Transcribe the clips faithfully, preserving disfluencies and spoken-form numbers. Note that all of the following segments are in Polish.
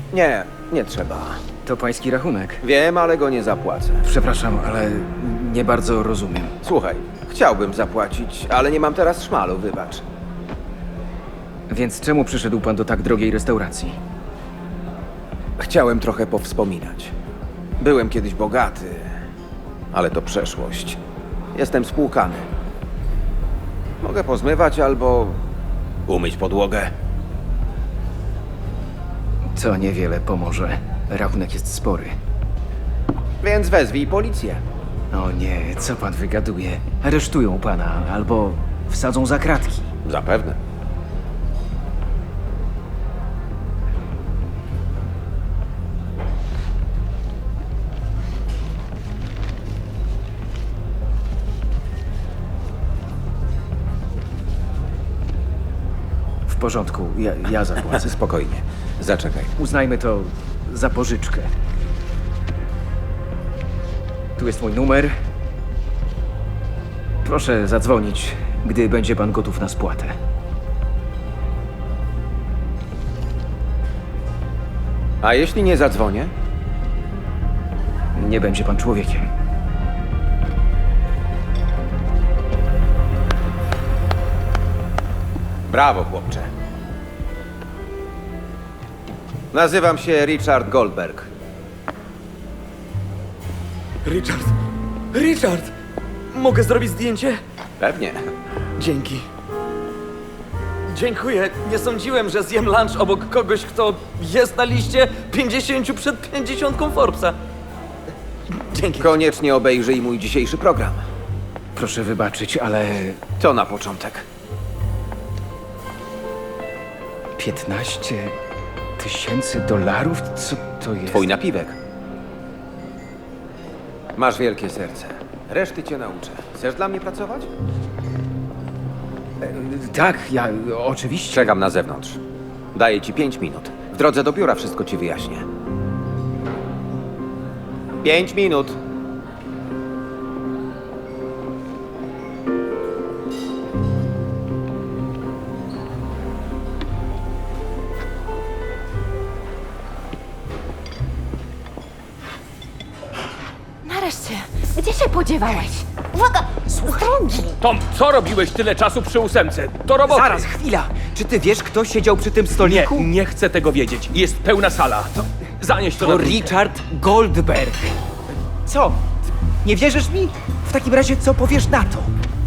Nie, nie trzeba. To pański rachunek. Wiem, ale go nie zapłacę. Przepraszam, ale nie bardzo rozumiem. Słuchaj, chciałbym zapłacić, ale nie mam teraz szmalu, wybacz. Więc czemu przyszedł pan do tak drogiej restauracji? Chciałem trochę powspominać. Byłem kiedyś bogaty, ale to przeszłość. Jestem spłukany. Mogę pozmywać albo umyć podłogę. To niewiele pomoże. Rachunek jest spory. Więc wezwij policję. O nie, co pan wygaduje? Aresztują pana albo wsadzą za kratki. Zapewne. W porządku, ja, ja zapłacę. Spokojnie. Zaczekaj. Uznajmy to za pożyczkę. Tu jest mój numer. Proszę zadzwonić, gdy będzie pan gotów na spłatę. A jeśli nie zadzwonię? Nie będzie pan człowiekiem. Brawo, chłopcze. Nazywam się Richard Goldberg. Richard! Richard! Mogę zrobić zdjęcie? Pewnie. Dzięki. Dziękuję. Nie sądziłem, że zjem lunch obok kogoś, kto jest na liście pięćdziesięciu przed pięćdziesiątką Forbesa. Dzięki. Koniecznie obejrzyj mój dzisiejszy program. Proszę wybaczyć, ale To na początek. piętnaście tysięcy dolarów? Co to jest? Twój napiwek. Masz wielkie serce. Reszty cię nauczę. Chcesz dla mnie pracować? Tak, ja oczywiście. Czekam na zewnątrz. Daję ci pięć minut. W drodze do biura wszystko ci wyjaśnię. Pięć minut. Nareszcie, gdzie się podziewałeś? Uwaga! Drogi! Tom, co robiłeś tyle czasu przy ósemce? Do roboty! Zaraz, chwila! Czy ty wiesz, kto siedział przy tym Nie, stoliku? nie chcę tego wiedzieć. Jest pełna sala. Zanieś to To na trójkę. Richard Goldberg. Co? Nie wierzysz mi? W takim razie co powiesz na to?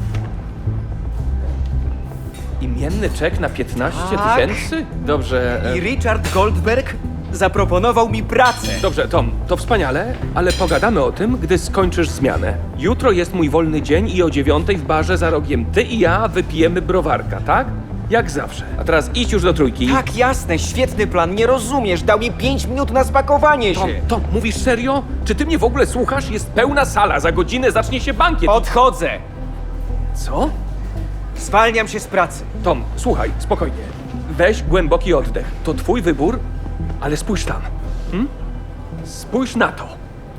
Imienny czek na piętnaście Tak. tysięcy? Dobrze, e, I Richard Goldberg zaproponował mi pracę. dobrze, Tom, to wspaniale, ale pogadamy o tym, gdy skończysz zmianę. Jutro jest mój wolny dzień i o dziewiątej w barze za rogiem ty i ja wypijemy browarka, tak? Jak zawsze. A teraz idź już do trójki. Tak, jasne, świetny plan, nie rozumiesz. Dał mi pięć minut na spakowanie Tom, się. Tom, mówisz serio? Czy ty mnie w ogóle słuchasz? Jest pełna sala, za godzinę zacznie się bankiet. Odchodzę. Co? Zwalniam się z pracy. Tom, słuchaj, spokojnie. Weź głęboki oddech. To twój wybór, ale spójrz tam. Hm? Spójrz na to.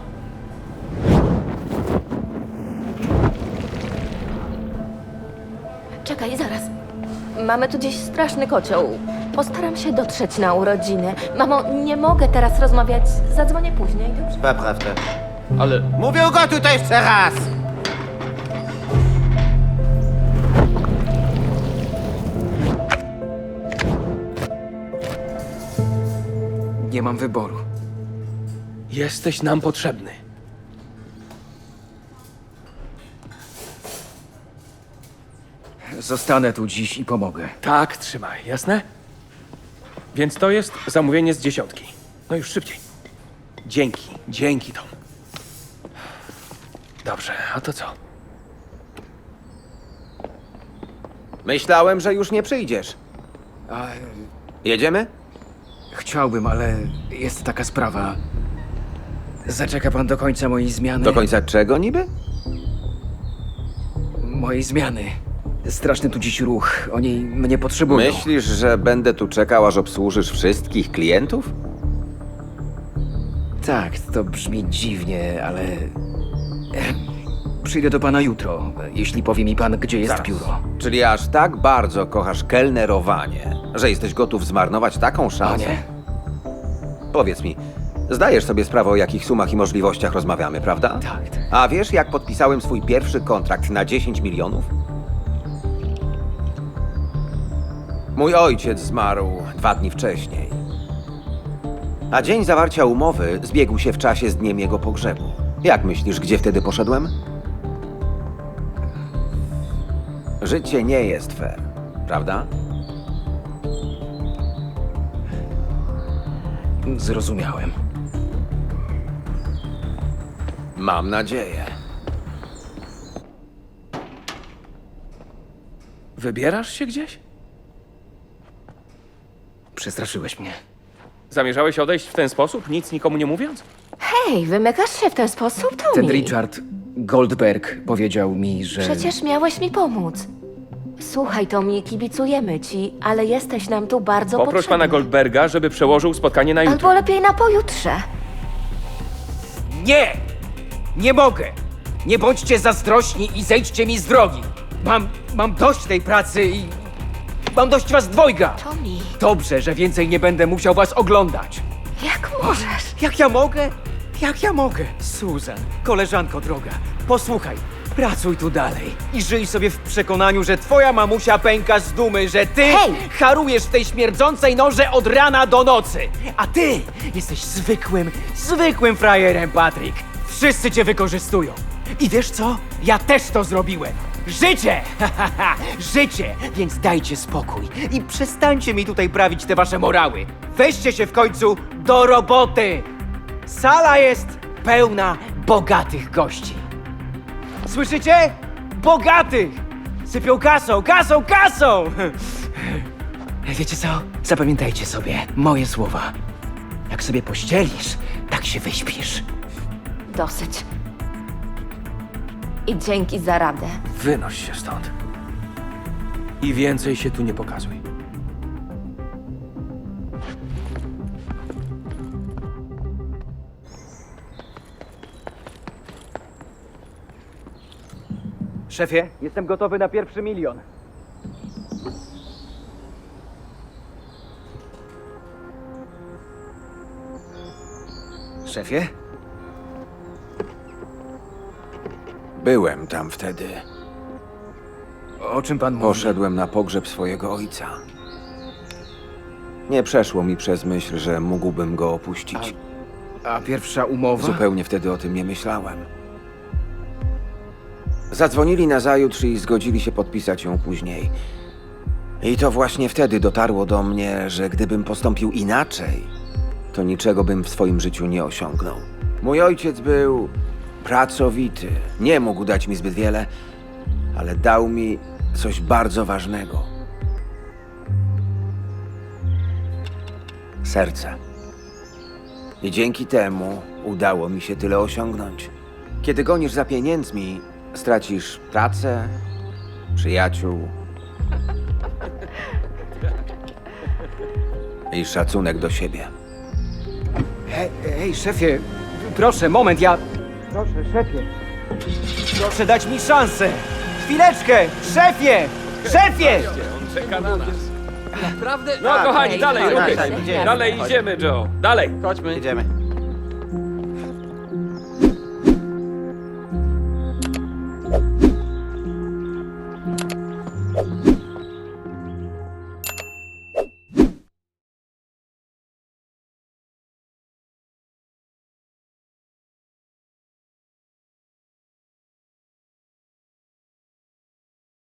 Czekaj, zaraz. Mamy tu gdzieś straszny kocioł. Postaram się dotrzeć na urodziny. Mamo, nie mogę teraz rozmawiać. Zadzwonię później, dobrze? Naprawdę. Ale Mówię go tutaj jeszcze raz! Nie mam wyboru. jesteś nam potrzebny. Zostanę tu dziś i pomogę. Tak, trzymaj, jasne? Więc to jest zamówienie z dziesiątki. No już szybciej. Dzięki, dzięki, Tom. Dobrze, a to co? Myślałem, że już nie przyjdziesz. A, Jedziemy? chciałbym, ale jest taka sprawa. Zaczeka pan do końca mojej zmiany? Do końca czego niby? Mojej zmiany. Straszny tu dziś ruch. Oni mnie potrzebują. Myślisz, że będę tu czekał, aż obsłużysz wszystkich klientów? Tak, to brzmi dziwnie, ale... Em, Przyjdę do pana jutro, jeśli powie mi pan, gdzie jest Zaraz. biuro. Czyli aż tak bardzo kochasz kelnerowanie, że jesteś gotów zmarnować taką A szansę? nie? Powiedz mi, zdajesz sobie sprawę, o jakich sumach i możliwościach rozmawiamy, prawda? Tak, tak. A wiesz, jak podpisałem swój pierwszy kontrakt na dziesięć milionów? Mój ojciec zmarł dwa dni wcześniej. A dzień zawarcia umowy zbiegł się w czasie z dniem jego pogrzebu. Jak myślisz, gdzie wtedy poszedłem? Życie nie jest fair, prawda? Zrozumiałem. Mam nadzieję. Wybierasz się gdzieś? Przestraszyłeś mnie. Zamierzałeś odejść w ten sposób, nic nikomu nie mówiąc? Hej, wymykasz się w ten sposób, Tommy? Ten Richard Goldberg powiedział mi, że... Przecież miałeś mi pomóc. Słuchaj, Tommy, kibicujemy ci, ale jesteś nam tu bardzo Poproś potrzebny. pana Goldberga, żeby przełożył spotkanie na jutro. Albo lepiej na pojutrze. Nie! Nie mogę! Nie bądźcie zazdrośni i zejdźcie mi z drogi! Mam, mam dość tej pracy i... Mam dość was dwojga! Tommy, Dobrze, że więcej nie będę musiał was oglądać. jak możesz? Jak ja mogę? Jak ja mogę? Susan, koleżanko droga, posłuchaj. Pracuj tu dalej i żyj sobie w przekonaniu, że twoja mamusia pęka z dumy, że ty Hej! harujesz w tej śmierdzącej norze od rana do nocy. A ty jesteś zwykłym, zwykłym frajerem, Patrick. Wszyscy cię wykorzystują. I wiesz co? Ja też to zrobiłem. Życie! Ha, ha, ha. Życie! Więc dajcie spokój i przestańcie mi tutaj prawić te wasze morały. Weźcie się w końcu do roboty! Sala jest pełna bogatych gości. Słyszycie? Bogatych! Sypią kasą, kasą, kasą! Wiecie co? Zapamiętajcie sobie moje słowa. Jak sobie pościelisz, tak się wyśpisz. Dosyć. I dzięki za radę. Wynoś się stąd. I więcej się tu nie pokazuj. Szefie, jestem gotowy na pierwszy milion. Szefie? Byłem tam wtedy. O czym pan mówi? Poszedłem na pogrzeb swojego ojca. Nie przeszło mi przez myśl, że mógłbym go opuścić. A pierwsza umowa? Zupełnie wtedy o tym nie myślałem. Zadzwonili nazajutrz i zgodzili się podpisać ją później. I to właśnie wtedy dotarło do mnie, że gdybym postąpił inaczej, to niczego bym w swoim życiu nie osiągnął. Mój ojciec był pracowity. Nie mógł dać mi zbyt wiele, ale dał mi coś bardzo ważnego. Serce. I dzięki temu udało mi się tyle osiągnąć. Kiedy gonisz za pieniędzmi, stracisz pracę, przyjaciół i szacunek do siebie. Hej, hej, szefie, proszę, moment, ja... Proszę, szefie. Proszę dać mi szansę. Chwileczkę, szefie! Szefie! On czeka na nas. Naprawdę? No kochani, Hej, dalej, hej, ruchy. hej, idziemy. Dalej idziemy, Joe. Dalej. Chodźmy. Idziemy.